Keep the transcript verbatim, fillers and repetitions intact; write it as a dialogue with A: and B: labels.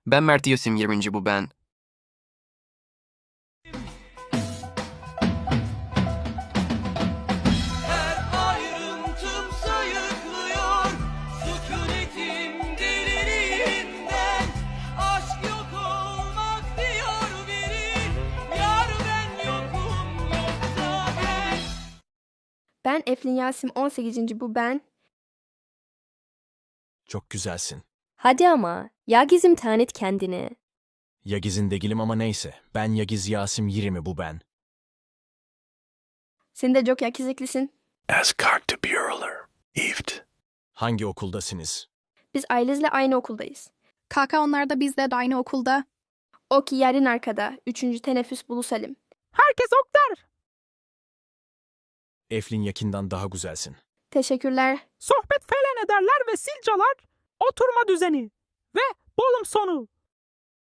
A: Ben Mert Yasim yirminci bu ben.
B: Her ayrıntım sayıklıyor, sükunetim deliliğinden. Aşk yok olmak diyor biri, yar ben yokum yoksa ben.
C: Ben Eflin Yasim on sekizinci bu ben.
D: Çok güzelsin.
E: Hadi ama, Yagiz'im tanıt kendini.
D: Yagiz'in değilim ama neyse. Ben Yagiz Yasim yirmi bu ben.
C: Sen de çok yakiziklisin.
F: As Kartebüreler, İft.
D: Hangi okuldasınız?
C: Biz Ayliz'le aynı okuldayız.
G: Kaka onlar da bizle de aynı okulda.
C: O ki yerin arkada. Üçüncü teneffüs Bulu Salim.
H: Herkes ok der.
D: Eflin Yakin'den daha güzelsin.
C: Teşekkürler.
H: Sohbet falan ederler ve silcalar. Oturma düzeni. Ve bölüm sonu.